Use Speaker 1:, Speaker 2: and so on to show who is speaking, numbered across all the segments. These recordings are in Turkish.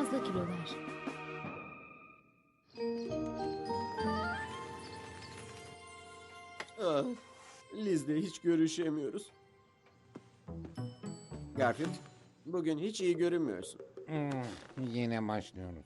Speaker 1: fazla kilolar.
Speaker 2: Ah, Liz'le hiç görüşemiyoruz. Garfield, bugün hiç iyi görünmüyorsun.
Speaker 3: Yine başlıyoruz.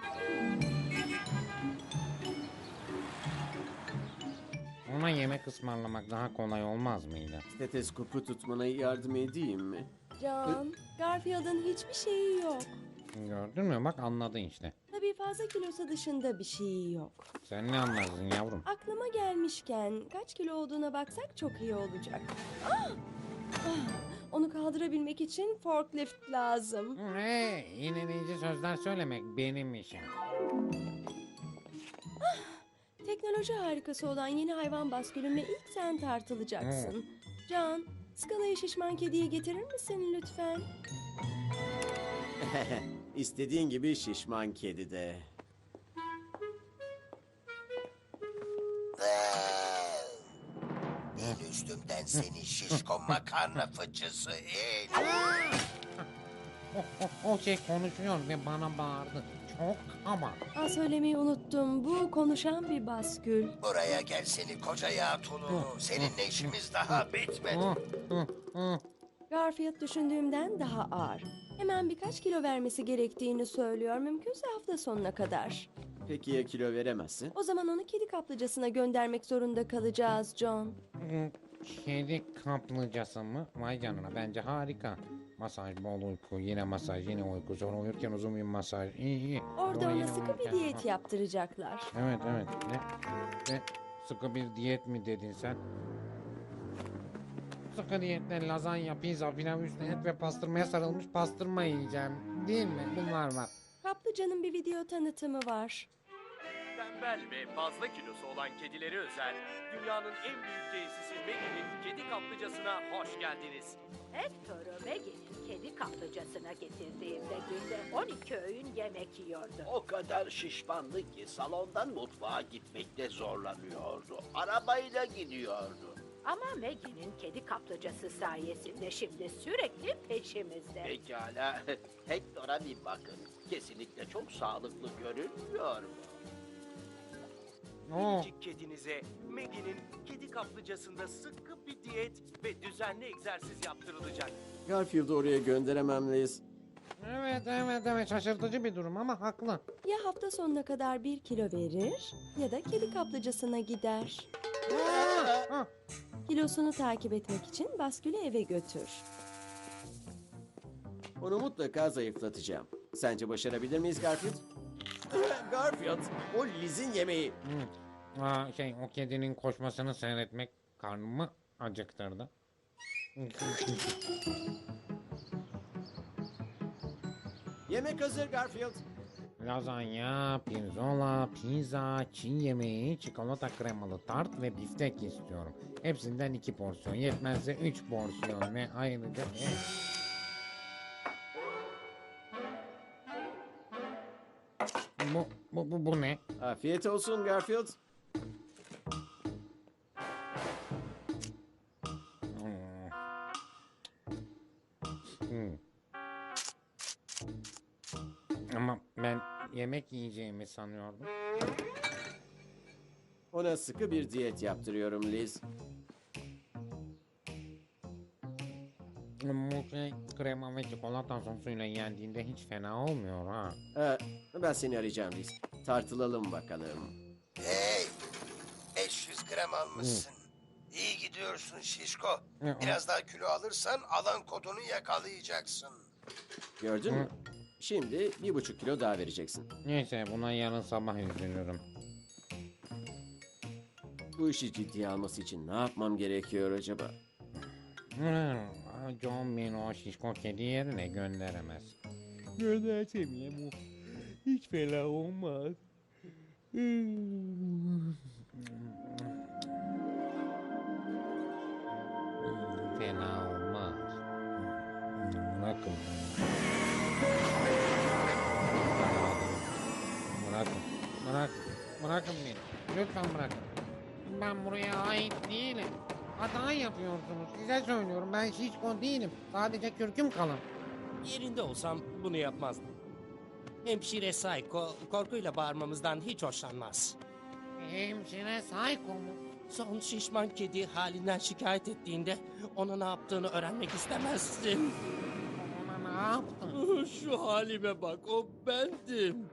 Speaker 3: Ona yemek ısmarlamak daha kolay olmaz mıydı?
Speaker 2: Steteskopu tutmana yardım edeyim mi?
Speaker 1: John, Garfield'ın hiçbir şeyi yok.
Speaker 3: Gördün mü? Bak anladın işte.
Speaker 1: Tabii fazla kilosu dışında bir şeyi yok.
Speaker 3: Sen ne anlarsın yavrum?
Speaker 1: Aklıma gelmişken kaç kilo olduğuna baksak çok iyi olacak. Ah! Onu kaldırabilmek için forklift lazım.
Speaker 3: Hey, iğneleyici sözler söylemek benim işim.
Speaker 1: Teknoloji harikası olan yeni hayvan baskülüne ilk sen tartılacaksın. John, skalayı şişman kediye getirir misin lütfen?
Speaker 2: İstediğin gibi şişman kedi de.
Speaker 4: İn üstümden seni şişko makarna fıçısı in.
Speaker 3: O şey konuşuyor ve bana bağırdı. Çok ama.
Speaker 1: Söylemeyi unuttum. Bu konuşan bir baskül.
Speaker 4: Buraya gel seni koca yağ tulunu. Seninle işimiz daha bitmedi.
Speaker 1: Garfield düşündüğümden daha ağır. Hemen birkaç kilo vermesi gerektiğini söylüyor. Mümkünse hafta sonuna kadar.
Speaker 2: Peki ya kilo veremezsin?
Speaker 1: O zaman onu kedi kaplıcasına göndermek zorunda kalacağız John.
Speaker 3: Kedi kaplıcası mı? Vay canına, bence harika. Masaj, bol uyku, yine masaj, yine uyku. Sonra uyurken uzun bir masaj. İyi.
Speaker 1: Orada
Speaker 3: Sonra
Speaker 1: ona
Speaker 3: yine
Speaker 1: sıkı bir
Speaker 3: uyurken-
Speaker 1: diyet yaptıracaklar.
Speaker 3: Evet. Ne? Sıkı bir diyet mi dedin sen? Sıkı diyetle lazanya, pizza, pilav üstüne et ve pastırmaya sarılmış pastırma yiyeceğim. Değil mi? Bunlar var.
Speaker 1: Kaplıcanın bir video tanıtımı var.
Speaker 5: Tembel ve fazla kilosu olan kedileri özel, dünyanın en büyük tesisi Maggie'nin kedi kaplıcasına hoş geldiniz.
Speaker 6: Hector'u Maggie'nin kedi kaplıcasına getirdiğimde günde 12 öğün yemek yiyordu.
Speaker 7: O kadar şişmandı ki salondan mutfağa gitmekte zorlanıyordu. Arabayla gidiyordu.
Speaker 6: Ama Maggie'nin kedi kaplıcası sayesinde şimdi sürekli peşimizde.
Speaker 7: Pekala, Hector'a bir bakın. Kesinlikle çok sağlıklı görünmüyor mu?
Speaker 3: Oo.
Speaker 5: Minicik kedinize Maggie'nin kedi kaplıcasında sıkı bir diyet ve düzenli egzersiz yaptırılacak.
Speaker 2: Garfield'ı oraya gönderemem Liz.
Speaker 3: Evet, şaşırtıcı bir durum ama haklı.
Speaker 1: Ya hafta sonuna kadar 1 kilo verir ya da kedi kaplıcasına gider.
Speaker 3: Ah,
Speaker 1: Kilosunu takip etmek için baskülü eve götür.
Speaker 2: Onu mutlaka zayıflatacağım. Sence başarabilir miyiz Garfield? Garfield, o Liz'in yemeği.
Speaker 3: o kedinin koşmasını seyretmek karnımı acıktırdı.
Speaker 2: Yemek hazır Garfield.
Speaker 3: Lazanya, pirzola, pizza, Çin yemeği, çikolata kremalı tart ve biftek istiyorum. Hepsinden 2 porsiyon, yetmezse 3 porsiyon ve ayrıca... Bu ne?
Speaker 2: Afiyet olsun Garfield.
Speaker 3: Ama ben yemek yiyeceğimi sanıyordum.
Speaker 2: Ona sıkı bir diyet yaptırıyorum Liz.
Speaker 3: Bu şey krema ve çikolata sosuyla yendiğinde hiç fena olmuyor ha.
Speaker 2: Ben seni arayacağım Liz. Tartılalım bakalım.
Speaker 4: Hey, 500 gram almışsın. İyi gidiyorsun şişko. Biraz daha kilo alırsan alan kodunu yakalayacaksın.
Speaker 2: Gördün mü? Şimdi 1,5 kilo daha vereceksin.
Speaker 3: Neyse, buna yarın sabah üzülürüm.
Speaker 2: Bu işi ciddiye alması için ne yapmam gerekiyor acaba?
Speaker 3: John beni o şişko kedi yerine gönderemez.
Speaker 8: Göndersem ya bu. Hiç fena olmaz.
Speaker 3: Fena olmaz. Bırakın beni. Bırakın beni. Lütfen bırakın. Ben buraya ait değilim. Hata yapıyorsunuz. Size söylüyorum, ben şişko değilim. Sadece kürküm kalın.
Speaker 5: Yerinde olsam bunu yapmazdım.
Speaker 9: Hemşire Psycho korkuyla bağırmamızdan hiç hoşlanmaz.
Speaker 3: Hemşire Psycho mu?
Speaker 9: Son şişman kedi halinden şikayet ettiğinde ona ne yaptığını öğrenmek istemezsin.
Speaker 3: Ona ne yaptın?
Speaker 9: Şu halime bak, o bendim.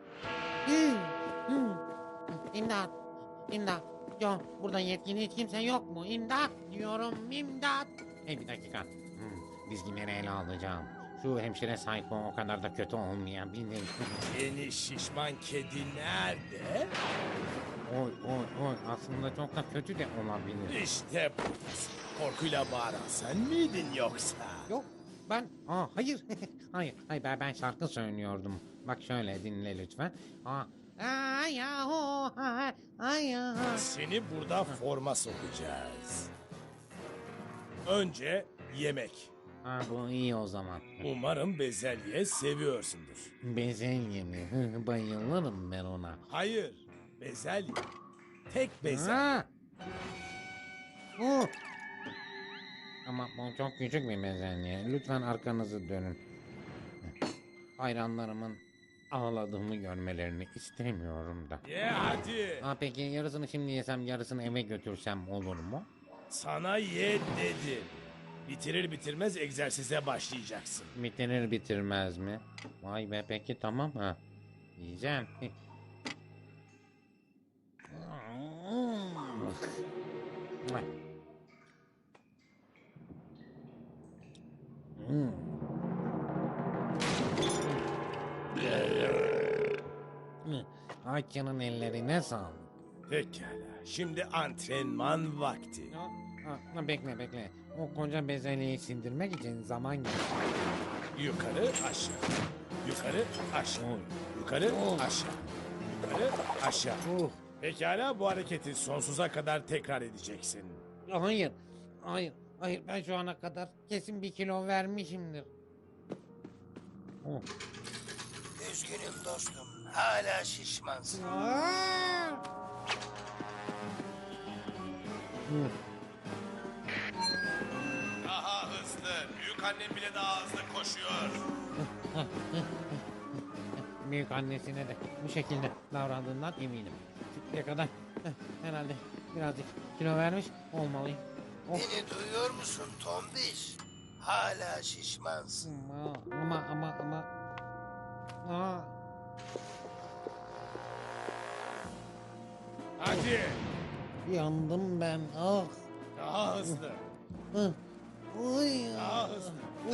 Speaker 3: İmdat! İmdat! Yok, burada yetkili hiç kimse yok mu? İmdat diyorum, imdat! Hey bir dakika. Dizginleri ele alacağım. Şu hemşire Psycho o kadar da kötü olmayabilir.
Speaker 10: Yeni şişman kedi nerede?
Speaker 3: Oy, aslında çok da kötü de olabilir.
Speaker 10: İşte buradasın. Korkuyla bağıran sen miydin yoksa?
Speaker 3: Yok, hayır. hayır, ben şarkı söylüyordum. Bak şöyle dinle lütfen.
Speaker 10: Seni burada forma sokacağız. Önce yemek.
Speaker 3: Bu iyi o zaman.
Speaker 10: Umarım bezelye seviyorsundur.
Speaker 3: Bezelye mi? Bayılırım ben ona.
Speaker 10: Hayır, bezelye. Tek bezelye.
Speaker 3: Ama bu çok küçük bir bezelye. Lütfen arkanızı dönün. Hayranlarımın ağladığımı görmelerini istemiyorum da.
Speaker 10: Ye hadi.
Speaker 3: Peki yarısını şimdi yesem yarısını eve götürsem olur mu?
Speaker 10: Sana ye dedim. Bitirir bitirmez egzersize başlayacaksın.
Speaker 3: Bitirir bitirmez mi? Vay be peki tamam ha. Yiyeceğim. Ayça'nın ellerine sağlık.
Speaker 10: Pekala. Şimdi antrenman vakti.
Speaker 3: Bekle. O koca bezelyeyi sindirmek için zaman gerekiyor.
Speaker 10: Yukarı aşağı. Yukarı aşağı. Yukarı aşağı. Yukarı aşağı. Pekala, bu hareketi sonsuza kadar tekrar edeceksin.
Speaker 3: Hayır. Ben şu ana kadar kesin 1 kilo vermişimdir.
Speaker 4: Üzgünüm dostum. Hala şişmansın.
Speaker 10: Daha hızlı. Büyük annem bile daha hızlı koşuyor.
Speaker 3: Büyük annesine de bu şekilde davrandığından eminim. Şimdiye kadar herhalde birazcık kilo vermiş olmalıyım.
Speaker 4: Beni duyuyor musun Tombiş? Hala şişmansın.
Speaker 3: Ama.
Speaker 10: Hadi.
Speaker 3: Yandım ben.
Speaker 10: Daha hızlı. Daha hızlı.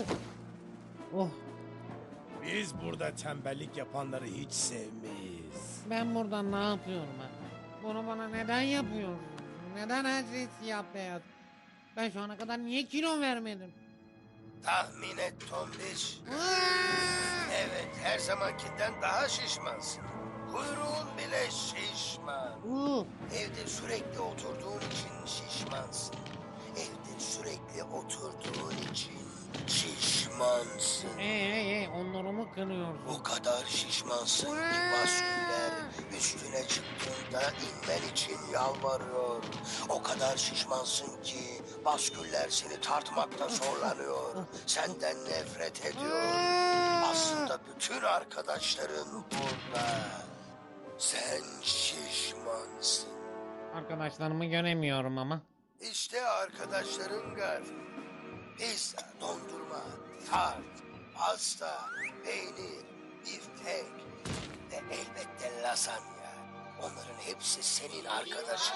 Speaker 10: Biz burada tembellik yapanları hiç sevmeyiz.
Speaker 3: Ben burada ne yapıyorum ben? Bunu bana neden yapıyorsun? Neden her şey siyah beyaz? Ben şu ana kadar niye kilo vermedim?
Speaker 4: Tahmin et Tombiş. Evet, her zamankinden daha şişmansın. Kuyruğun bile şişman. Evde sürekli oturduğun için şişmansın. Evde sürekli oturduğun için şişmansın.
Speaker 3: Onurumu kırıyorsun.
Speaker 4: O kadar şişmansın ki basküller üstüne çıktığında inmen için yalvarıyor. O kadar şişmansın ki basküller seni tartmakta zorlanıyor. Senden nefret ediyor. Aslında bütün arkadaşların burada. Sen şişmansın.
Speaker 3: Arkadaşlarımı göremiyorum ama.
Speaker 4: İşte arkadaşların Garfield. Pizza, dondurma, tart, pasta, peynir, biftek ve elbette lasagna. Onların hepsi senin arkadaşın.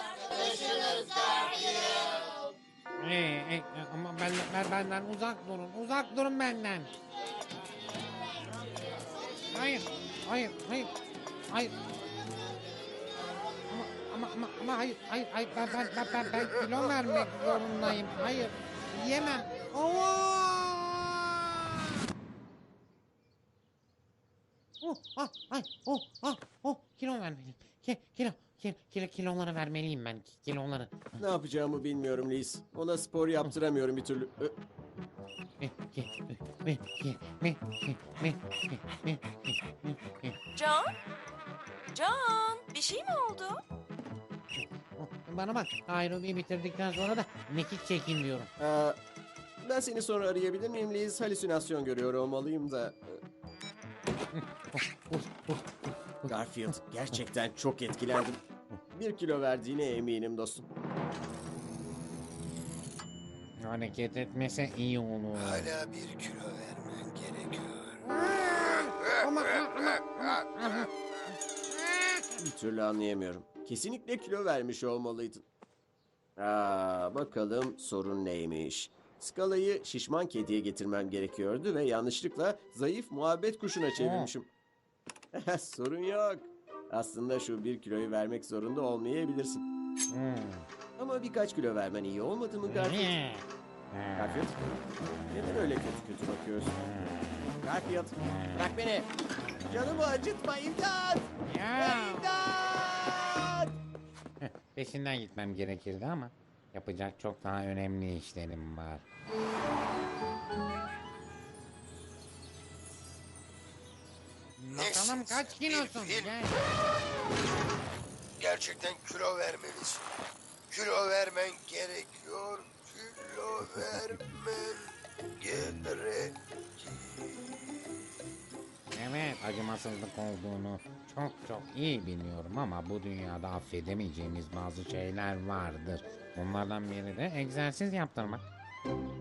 Speaker 3: Ama benden uzak durun benden. Hayır. Ama hayır, ben kilo vermek zorundayım. Hayır, yemem. Kilo vermeliyim. Kiloları vermeliyim ben. Kiloları.
Speaker 2: Ne yapacağımı bilmiyorum Liz. Ona spor yaptıramıyorum bir türlü.
Speaker 1: Can, bir şey mi oldu?
Speaker 3: Bana bak, aerobiyi bitirdikten sonra da mekik çekin diyorum.
Speaker 2: Ben seni sonra arayabilir miyim Liz? Halüsinasyon görüyor olmalıyım da. Garfield, gerçekten çok etkilendim. 1 kilo verdiğine eminim dostum.
Speaker 3: Hareket etmese iyi olur.
Speaker 4: Hala 1 kilo vermen gerekiyor.
Speaker 2: Bir türlü anlayamıyorum. Kesinlikle kilo vermiş olmalıydın. Bakalım sorun neymiş. Skalayı şişman kediye getirmem gerekiyordu ve yanlışlıkla zayıf muhabbet kuşuna çevirmişim. Sorun yok. Aslında şu 1 kiloyu vermek zorunda olmayabilirsin. Ama birkaç kilo vermen iyi olmadı mı Garfield? Garfield, neden öyle kötü kötü bakıyorsun? Garfield, bırak beni. Canımı acıtma, imdat! İmdat!
Speaker 3: Peşinden gitmem gerekirdi ama yapacak çok daha önemli işlerim var. Bakalım kaç kilosun?
Speaker 4: Bir fil.
Speaker 3: Gel.
Speaker 4: Gerçekten kilo vermelisin. Kilo vermen gerekiyor. Kilo vermen gerek.
Speaker 3: Evet, acımasızlık olduğunu çok iyi biliyorum ama bu dünyada affedemeyeceğimiz bazı şeyler vardır. Bunlardan biri de egzersiz yaptırmak.